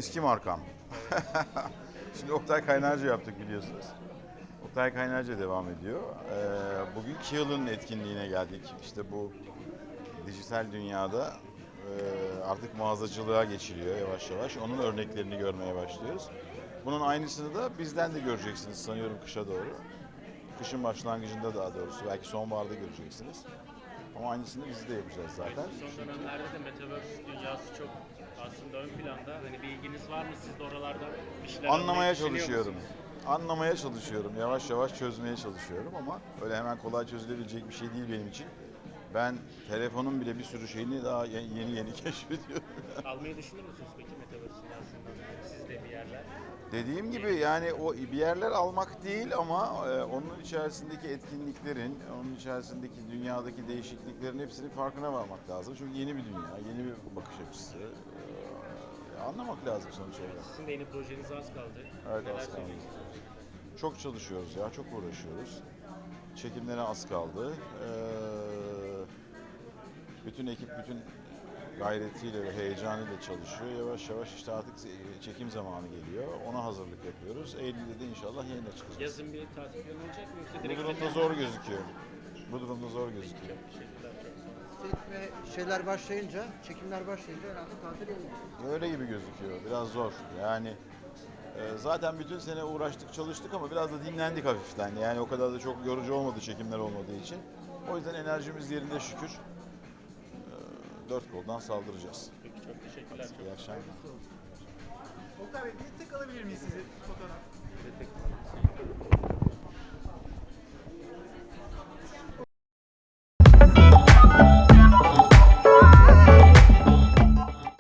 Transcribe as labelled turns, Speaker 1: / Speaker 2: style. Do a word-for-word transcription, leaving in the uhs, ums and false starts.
Speaker 1: eski markam. Şimdi Oktay Kaynarca yaptık biliyorsunuz. Oktay Kaynarca devam ediyor. Ee, bugün Kiehl'ın etkinliğine geldik. İşte bu dijital dünyada e, artık mağazacılığa geçiliyor yavaş yavaş. Onun örneklerini görmeye başlıyoruz. Bunun aynısını da bizden de göreceksiniz sanıyorum kışa doğru. Kışın başlangıcında daha doğrusu. Belki sonbaharda göreceksiniz. Ama aynısını biz de yapacağız zaten.
Speaker 2: Son dönemlerde de Metaverse dünyası çok aslında ön planda. Hani bir ilginiz var mı? Siz de oralarda bir şeyler
Speaker 1: Anlamaya
Speaker 2: almayı düşünüyor
Speaker 1: çalışıyorum.
Speaker 2: musunuz?
Speaker 1: Anlamaya çalışıyorum. Yavaş yavaş çözmeye çalışıyorum ama öyle hemen kolay çözülebilecek bir şey değil benim için. Ben telefonun bile bir sürü şeyini daha ye- yeni yeni keşfediyorum.
Speaker 2: Almayı düşünür müsünüz peki Metaverse dünyasından? Siz de bir yerler.
Speaker 1: Dediğim gibi yani o bir yerler almak değil ama e, onun içerisindeki etkinliklerin, onun içerisindeki dünyadaki değişikliklerin hepsinin farkına varmak lazım. Çünkü yeni bir dünya, yeni bir bakış açısı. E, anlamak lazım sonuç olarak.
Speaker 2: Sizin de yeni projeniz az kaldı.
Speaker 1: Evet,
Speaker 2: Neler
Speaker 1: az kaldı.
Speaker 2: söyleyeceksiniz?
Speaker 1: Çok çalışıyoruz ya, çok uğraşıyoruz. Çekimlere az kaldı. Ee, bütün ekip bütün gayretiyle ve heyecanıyla çalışıyor. Yavaş yavaş işte artık çekim zamanı geliyor. Ona hazırlık yapıyoruz. Eylül'de de inşallah yayına çıkacağız.
Speaker 2: Yazın bir tatil planı olacak mı yoksa
Speaker 1: Bu
Speaker 2: direkt
Speaker 1: durumda
Speaker 2: sete-
Speaker 1: zor gözüküyor. Bu durumda zor gözüküyor.
Speaker 2: Çok teşekkürler, çok sağ olun.
Speaker 3: Set ve şeyler başlayınca, çekimler başlayınca herhalde tatil olur.
Speaker 1: Öyle gibi gözüküyor. Biraz zor. Yani e, zaten bütün sene uğraştık, çalıştık ama biraz da dinlendik hafiften. Yani o kadar da çok yorucu olmadı çekimler olmadığı için. O yüzden enerjimiz yerinde şükür. E, dört koldan saldıracağız.
Speaker 2: Peki çok teşekkürler.
Speaker 1: İyi akşamlar.
Speaker 4: Oktay Bey bir tek alabilir miyiz sizi fotoğraf?